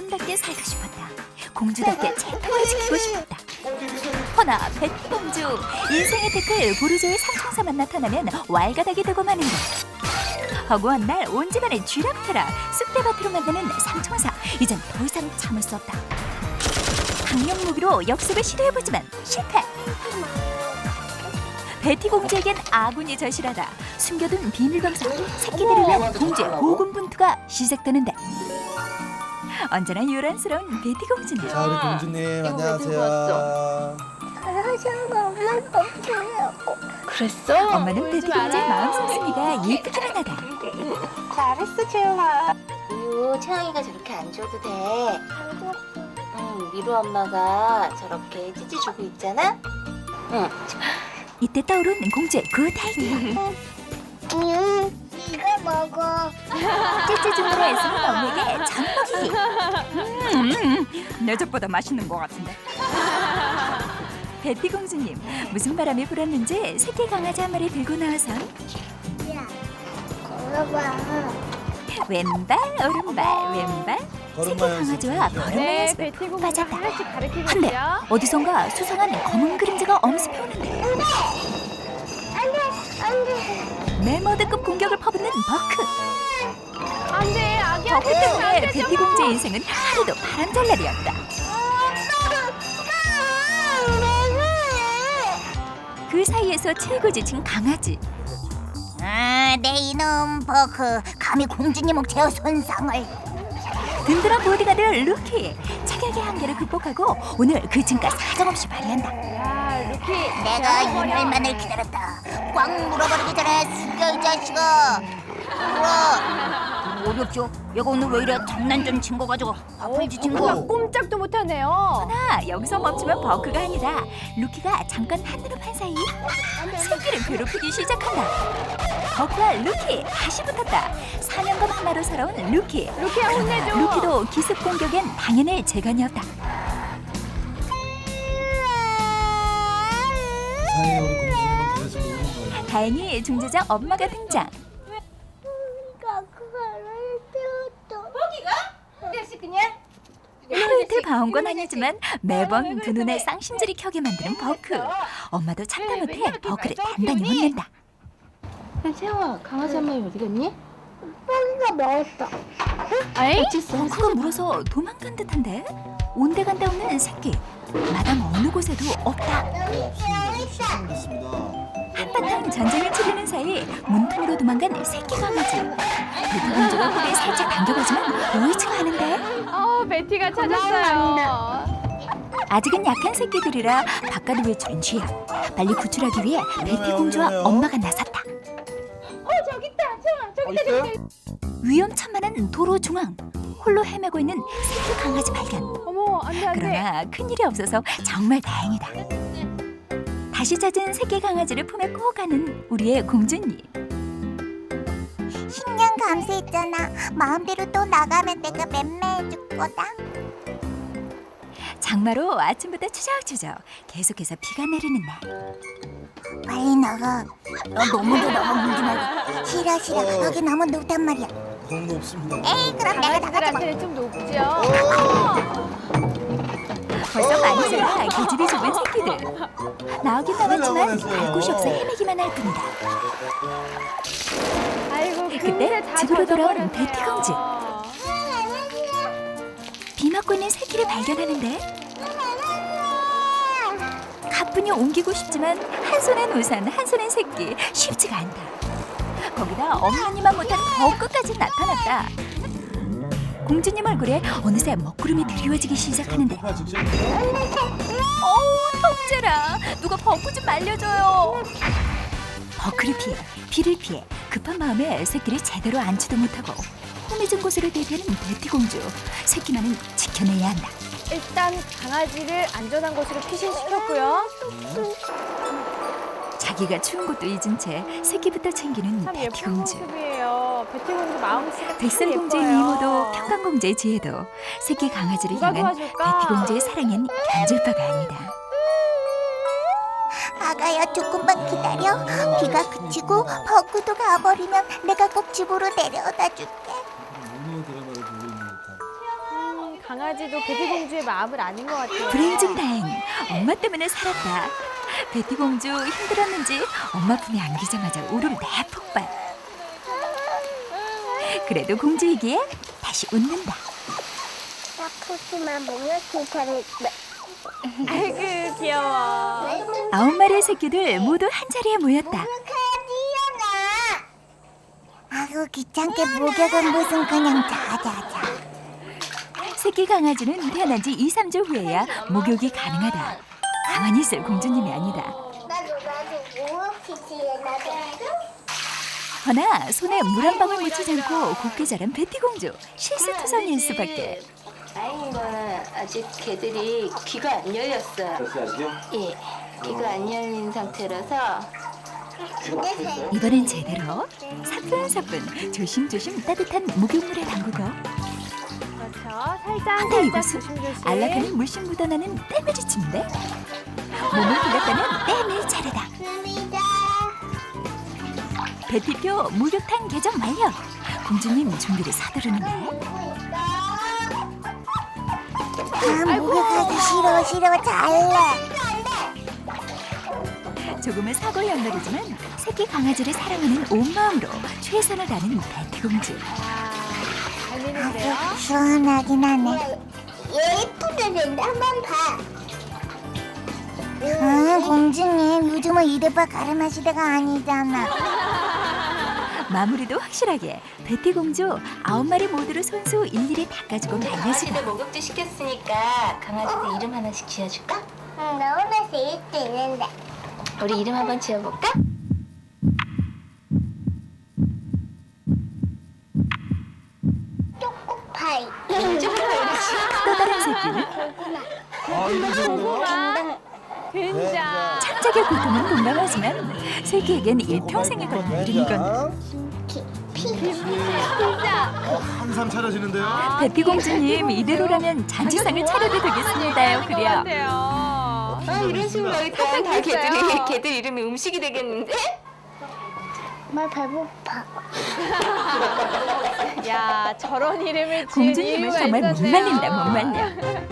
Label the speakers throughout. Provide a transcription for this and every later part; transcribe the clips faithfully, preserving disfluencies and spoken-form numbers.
Speaker 1: 아름답게 살고 싶었다. 공주답게 채통을 지키고 싶었다. 허나 베티공주, 인생의 태클 보르조의 상청사만 나타나면 왈가닥이 되고 마는다. 허구한 날 온 집안을 쥐락펴락 쑥대밭으로 만드는 상청사. 이젠 더 이상 참을 수 없다. 강력 무기로 역습을 시도해보지만 실패. 베티 공주에겐 아군이 절실하다. 숨겨둔 비밀방사, 새끼들을 위한 공주의 고군분투가 시작되는데 언제나 요란스러운 베티 공주는
Speaker 2: 자, 우리 공주님 안녕하세요.
Speaker 3: 그랬어?
Speaker 1: 엄마는 베티 공주의 마음 씀씀이가 예쁘기만 하다.
Speaker 3: 잘했어, 채영아. 우유, 채영이가 저렇게 안 줘도 돼. 응, 미루 엄마가 저렇게 찌찌 주고 있잖아. 응.
Speaker 1: 이때 떠오른 공주의 굿 아이디어.
Speaker 4: 음, 이거 먹어.
Speaker 1: 찌찌 주문을 애쓰는 엄마에게 젖먹이기. 음, 내 젖보다 맛있는 것 같은데. 베티 공주님, 무슨 바람이 불었는지 새끼 강아지 한 마리 들고 나와서
Speaker 4: 야, 걸어봐.
Speaker 1: 왼발 오른발 왼발 새끼 강아지와 걸음마
Speaker 5: 네,
Speaker 1: 연습에
Speaker 5: 베티 공주가
Speaker 1: 빠졌다.
Speaker 5: 하나씩 가르치고
Speaker 1: 한데
Speaker 5: 있어요.
Speaker 1: 어디선가 수상한 검은 그림자가 엄습해 오는데 메머드급 공격을 퍼붓는 버크.
Speaker 5: 안 돼, 아기야.
Speaker 1: 버크 때문에 베티 공주의 인생은 하루도 바람잘날이었다. 그 사이에서 칠구 지친 강아지.
Speaker 4: 아, 내 이놈 버크 감히 공주님 옥체어 손상을.
Speaker 1: 든든한 보디가드 루키. 체격의 한계를 극복하고 오늘 그 증가 사정없이 발휘한다.
Speaker 5: 야, 루키.
Speaker 4: 내가 이날만을 기다렸다. 꽉 물어버리기 전에 숙여 이 자식아. 물어. 어렵죠? 얘가 오늘 왜 이래? 장난 좀 친 거 가지고 앞을 지친
Speaker 5: 버크가
Speaker 4: 거.
Speaker 5: 꼼짝도 못하네요.
Speaker 1: 나 여기서 멈추면 버크가 아니라 루키가 잠깐 한눈을 판 사이 새끼를 괴롭히기 시작한다. 버크와 루키 다시 붙었다. 사냥감 하나로 살아온 루키.
Speaker 5: 루키야, 혼내줘.
Speaker 1: 루키도 기습 공격엔 당연히 재간이 없다.
Speaker 2: 사이에 우리 공주님은 계속 오는 거예요.
Speaker 1: 다행히 중재자 엄마가 등장. 하루 이틀 봐온 건 아니지만 매번 두 눈에 쌍심질이 켜게 만드는 버크. 엄마도 참다 못해 버크를 단단히 혼낸다.
Speaker 3: 야, 채영아, 강아지 한 마리 어디 갔니?
Speaker 4: 뽀기가 먹었어.
Speaker 5: 아이?
Speaker 1: 버크가 물어서 도망간 듯한데 온데간데 없는 새끼. 마당 어느 곳에도 없다.
Speaker 2: 네, 없습니다. 수상됐습니다.
Speaker 1: 한바탕 전쟁을 치르는 사이 문틈으로 도망간 새끼 강아지. 베티 공주가 꼬리에 살짝 당겨보지만 여의치가 않은데
Speaker 5: 어, 베티가 찾았어요.
Speaker 1: 아직은 약한 새끼들이라 바깥을 외출은 쥐야. 빨리 구출하기 위해 베티 공주와
Speaker 2: 위험해요.
Speaker 1: 엄마가 나섰다.
Speaker 5: 어, 저기 있다. 채영아, 저기 있다, 저기 있다.
Speaker 1: 위험천만한 도로 중앙. 홀로 헤매고 있는 새끼 강아지 발견.
Speaker 5: 어머, 안 돼, 안 돼.
Speaker 1: 그러나 큰일이 없어서 정말 다행이다. 다시 찾은 새끼 강아지를 품에 꼭 안은 우리의 공주님.
Speaker 4: 십 년 감수했잖아. 마음대로 또 나가면 내가 맴매해줄 거다.
Speaker 1: 장마로 아침부터 추적추적 계속해서 비가 내리는 날.
Speaker 4: 빨리 나가. 너 너무도 나가 물지 말고. 싫어 싫어.
Speaker 2: 어.
Speaker 4: 여기 너무 높단 말이야.
Speaker 2: 너무 높습니다.
Speaker 4: 에이 그럼 내가 나가지 마.
Speaker 5: 강아지들한테는 좀 높죠.
Speaker 1: 벌써 많이 자라 계집이 좁은 새끼들. 나오긴 나왔지만 갈 곳이 없어 헤매기만 할 뿐이다.
Speaker 5: 아이고,
Speaker 1: 그때
Speaker 5: 근데 다
Speaker 1: 집으로 돌아온
Speaker 5: 젖어버렸네요.
Speaker 1: 베티 공주. 비 맞고 있는 새끼를 발견하는데 가뿐히 옮기고 싶지만 한 손엔 우산 한 손엔 새끼 쉽지가 않다. 거기다 엄마니만 못한 버크까지 나타났다. 공주님 얼굴에 어느새 먹구름이 드리워지기 시작하는데
Speaker 2: 폭파 직전.
Speaker 1: 어우 통째라. 누가 버크 좀 말려줘요. 버크를 피해 비를 피해 급한 마음에 새끼를 제대로 안지도 못하고 험해진 곳으로 대피하는 베티 공주. 새끼만은 지켜내야 한다.
Speaker 5: 일단 강아지를 안전한 곳으로 피신시켰고요.
Speaker 1: 자기가 추운 것도 잊은 채 새끼부터 챙기는
Speaker 5: 참
Speaker 1: 베티
Speaker 5: 예쁜
Speaker 1: 공주.
Speaker 5: 모습이에요. 베티 공주 마음씨가 참
Speaker 1: 백설공주의
Speaker 5: 예뻐요.
Speaker 1: 미모도 평강공주의 지혜도 새끼 강아지를
Speaker 5: 누가
Speaker 1: 향한
Speaker 5: 도와줄까?
Speaker 1: 베티 공주의 사랑엔 견줄 바가 아니다.
Speaker 4: 아가야 조금만 기다려. 비가 그치고 버그도 가버리면 내가 꼭 집으로 데려다 줄게.
Speaker 2: 모노 드라마를 보고 있는 듯한.
Speaker 5: 음, 강아지 강아지도 베티 공주의 마음을 아는 것 같아요.
Speaker 1: 불행 중 다행. 엄마 때문에 살았다. 베티 공주 힘들었는지 엄마 품에 안기자마자 울음 대폭발. 그래도 공주이기에 다시 웃는다.
Speaker 4: 아프지만 몸을 괜찮을
Speaker 5: 아이고 귀여워.
Speaker 1: 아홉 마리의 새끼들 모두 한 자리에 모였다.
Speaker 4: 아이고 귀찮게 목욕은 무슨 그냥 자자자.
Speaker 1: 새끼 강아지는 태어난 지 이, 삼 주 후에야 목욕이 가능하다. 가만히 있을 공주님이 아니다.
Speaker 4: 나도 나도 목욕시키에 나도.
Speaker 1: 허나 손에 물 한 방울 묻히지 않고 곱게 자란 베티 공주. 실수투성이일 수밖에.
Speaker 3: 다행인 거는 아직 개들이 귀가 안 열렸어요.
Speaker 2: 아직요?
Speaker 3: 예, 귀가 안 열린 상태라서
Speaker 1: 이번엔 제대로 사뿐사뿐 조심조심 따뜻한 목욕물에 담그고
Speaker 5: 그렇죠. 살짝
Speaker 1: 근데
Speaker 5: 살짝
Speaker 1: 이곳은
Speaker 5: 조심조심.
Speaker 1: 안락하는 물씬 묻어나는 때밀이침인데 몸을 빌렸다는 때밀 차례다. 베티표 목욕탕 개점 완료. 공주님 준비를 서두르는데
Speaker 4: 아 목욕하기 싫어 싫어 잘래.
Speaker 1: 조금은 사고 연결이지만 새끼 강아지를 사랑하는 온 마음으로 최선을 다하는 베티 공주.
Speaker 5: 잘 되는데요.
Speaker 4: 시원하긴 하네. 예쁘게 된다. 한번 봐. 아 공주님 요즘은 이대바 가르마 시대가 아니잖아.
Speaker 1: 마무리도 확실하게 베티 공주 아홉 마리 모두를 손수 일일이 닦아주고 말려주고
Speaker 3: 강아지들 목욕도 시켰으니까 강아지들 이름 하나씩 지어줄까?
Speaker 4: 응, 나 오늘 제일 뜨는데.
Speaker 3: 우리 이름 한번 지어볼까?
Speaker 4: 파이.
Speaker 1: 또 다른 새끼는
Speaker 2: 아, 이거 좋은데요?
Speaker 5: 된장.
Speaker 1: 창작의 고통은 동감하지만 새끼에겐 일평생에 걸린 일이건
Speaker 5: 진짜.
Speaker 2: 한삼 차려지는데요?
Speaker 1: 베티 공주님 이대로라면 잔치상을 차려도 되겠습니다요. 그래요.
Speaker 5: 같아요.
Speaker 3: 아, 이런 식으로 하니까 다 개들이 개들 이름이 음식이 되겠는데?
Speaker 4: 정말 배고파.
Speaker 5: 야 저런 이름을 지은
Speaker 1: 공주님은
Speaker 5: 이유가
Speaker 1: 정말 못
Speaker 5: 있었네요.
Speaker 1: 말린다 못 말려.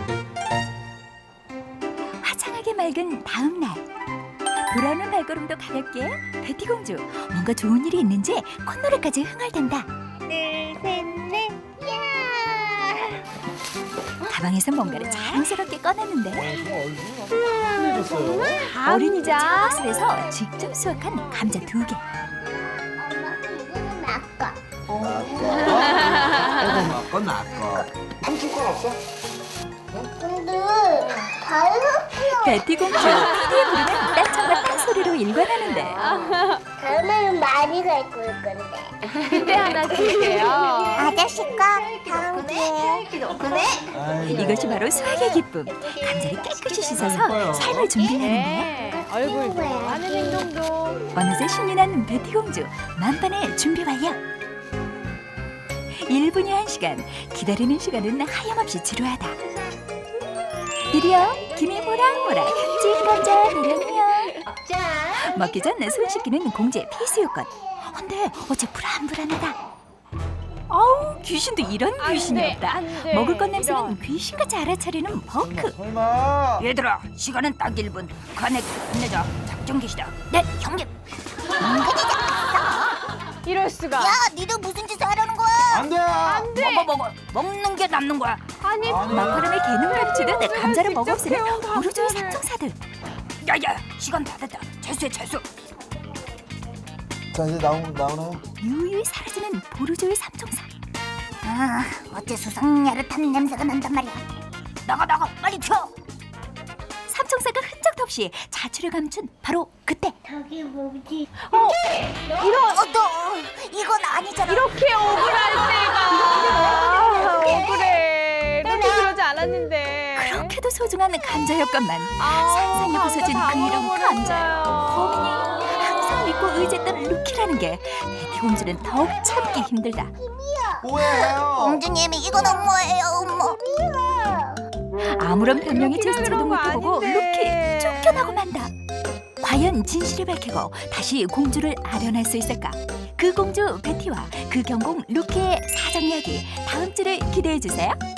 Speaker 1: 화창하게 맑은 다음 날 돌아오는 발걸음도 가볍게 베티 공주 뭔가 좋은 일이 있는지 콧노래까지 흥얼댄다.
Speaker 4: 둘셋넷 야.
Speaker 1: 가방에서 뭔가를 자랑스럽게 꺼냈는데
Speaker 2: 얼굴이 빨개졌어요.
Speaker 1: 어린이집 창고실에서 직접 수확한 감자 두 개.
Speaker 4: 엄마 이거는 아까.
Speaker 2: 아까 아까 나까.
Speaker 4: 근데 다이어트야.
Speaker 1: 베티 공주 피디의 부르는 딴청과 딴소리로 일관하는데
Speaker 4: 다음에는 많이 갈 거일 건데.
Speaker 5: 그때 하나 줄게요.
Speaker 4: 아저씨가 다음 기회에.
Speaker 3: 그네?
Speaker 2: 아이고.
Speaker 1: 이것이 바로 수확의 기쁨. 감자를 깨끗이 씻어서 삶을 준비하는데
Speaker 5: 네. 얼굴도 하는 행동도.
Speaker 1: 어느새 신이 난 베티 공주 만반의 준비 완료. 일 분이 한 시간 기다리는 시간은 하염없이 지루하다. 드디어 김이 모락모락 찐 감자 내려면
Speaker 3: 자,
Speaker 1: 먹기 전 손 씻기는 공주의 필수 요건. 근데 어째 불안불안하다. 아우 귀신도 이런
Speaker 5: 안
Speaker 1: 귀신이
Speaker 5: 돼,
Speaker 1: 없다.
Speaker 5: 안 돼.
Speaker 1: 먹을 것 냄새는
Speaker 5: 이런.
Speaker 1: 귀신같이 알아차리는 버크.
Speaker 2: 설마.
Speaker 1: 얘들아 시간은 딱 일 분. 관액 끝내자. 작전 개시다. 네 형님.
Speaker 5: 이럴 수가.
Speaker 4: 야, 니들 무슨 짓을 하려는 거야?
Speaker 2: 안 돼.
Speaker 5: 안 돼.
Speaker 1: 먹어 먹어. 먹는 게 남는 거야.
Speaker 5: 아니
Speaker 2: 아니.
Speaker 1: 막바람에 개는 감치듯
Speaker 5: 공주가
Speaker 1: 감자를
Speaker 5: 직접
Speaker 1: 먹어쓰는
Speaker 5: 해온
Speaker 1: 보르조의
Speaker 5: 감자를.
Speaker 1: 삼총사들. 야야 시간 다 됐다. 재수해 재수.
Speaker 2: 자 이제 나오 나오나요?
Speaker 1: 유유히 사라지는 보르조의 삼총사.
Speaker 4: 아, 어째 수상야릇한 냄새가 난단 말이야.
Speaker 1: 나가 나가 빨리 튀어. 삼총사가 흔적도 없이 자취를 감춘 바로 그때.
Speaker 4: 저기 뭐지?
Speaker 5: 어 이런
Speaker 4: 어, 너 이건 아니잖아.
Speaker 5: 이렇게 억울할 때가. 아, 억울해. 그렇게 그러지 않았는데.
Speaker 1: 그렇게도 소중한 감자였건만
Speaker 5: 아,
Speaker 1: 산산이 부서진
Speaker 5: 감자
Speaker 1: 그 이름
Speaker 5: 다
Speaker 1: 감자요.
Speaker 5: 먹어버렸어요.
Speaker 1: 범인이 항상 믿고 의지했던 루키라는 게 베티 공주는 더욱 참기 힘들다.
Speaker 2: 오해해요.
Speaker 4: 공주님이 이건 엄마예요, 엄마.
Speaker 1: 아무런 변명이
Speaker 5: 루키가
Speaker 1: 제스처도
Speaker 5: 그런 거
Speaker 1: 못해보고
Speaker 5: 아닌데.
Speaker 1: 루키 쫓겨나고 만다. 과연 진실을 밝히고 다시 공주를 아련할 수 있을까? 그 공주 베티와 그 경공 루키의 사정 이야기 다음 주를 기대해 주세요.